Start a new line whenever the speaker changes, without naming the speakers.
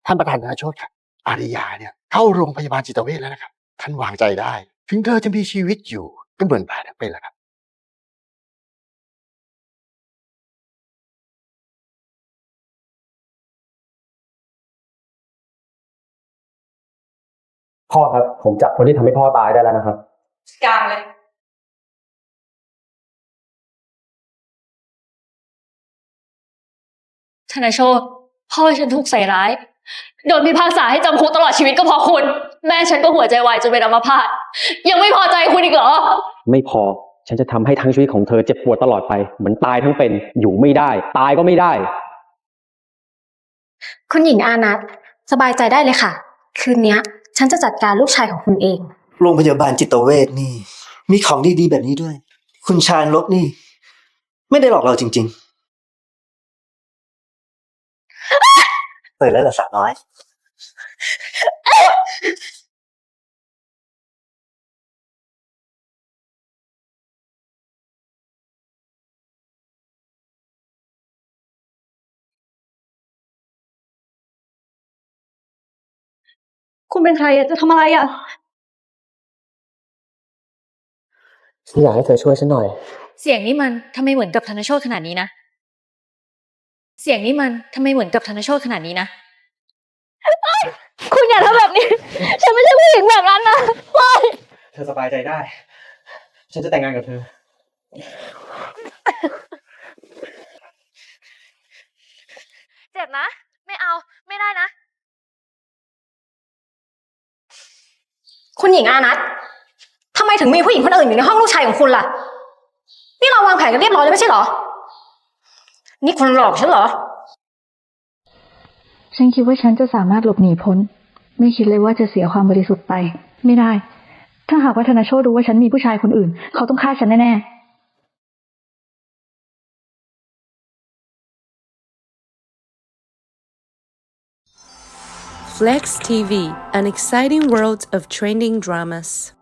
ท่านประธานธนโชติครับอาริยาเนี่ยเข้าโรงพยาบาลจิตเวชแล้วนะครับท่านวางใจได้ถึงเธอจะมีชีวิตอยู่ก็เหมือนตายทั้งเป็นแหละครับ
พ่อครับผมจับคนที่ทำให้พ่อตายได้แล้วนะครับ
กลางเลยธนโชตพ่อฉันถูกใส่ร้ายโดนพิพากษาให้จำคุกตลอดชีวิตก็เพราะคุณแม่ฉันก็หัวใจวายจนเป็นอัมพาตยังไม่พอใจคุณอีกเหรอ
ไม่พอฉันจะทำให้ทั้งชีวิตของเธอเจ็บปวดตลอดไปเหมือนตายทั้งเป็นอยู่ไม่ได้ตายก็ไม่ได้
คุณหญิงอานัทสบายใจได้เลยค่ะคืนนี้ฉันจะจัดการลูกชายของคุณเอง
โรงพยาบาลจิตเวชนี่ มีของดีๆแบบนี้ด้วย คุณชาญลบนี่ ไม่ได้หลอกเราจริงๆตื่นแล้วเหรอสาวน้อย
คุณเป็นใครจะทำอะไร
ฉันอยากให้เธอช่วยฉันหน่อย
เสียงนี้มันทำไมเหมือนกับธนโชตขนาดนี้นะเสียงนี้มันทำไมเหมือนกับธนโชตขนาดนี้นะคุณอย่าทำแบบนี้ฉันไม่ใช่ผู้หญิงแบบนั้นนะ
เธอสบายใจได้ฉันจะแต่งงานกับเธอ
เจ็บนะไม่เอาไม่ได้นะ
คุณหญิงอานัททำไมถึงมีผู้หญิงคนอื่นอยู่ในห้องลูกชายของคุณล่ะนี่เราวางแผนกันเรียบร้อยแล้วไม่ใช่เหรอนี่คุณหลอกฉันเหรอ
ฉันคิดว่าฉันจะสามารถหลบหนีพ้นไม่คิดเลยว่าจะเสียความบริสุทธิ์ไปไม่ได้ถ้าหากว่าธนโชติรู้ว่าฉันมีผู้ชายคนอื่นเขาต้องฆ่าฉันแน่ๆ
Flex TV, an exciting world of trending dramas.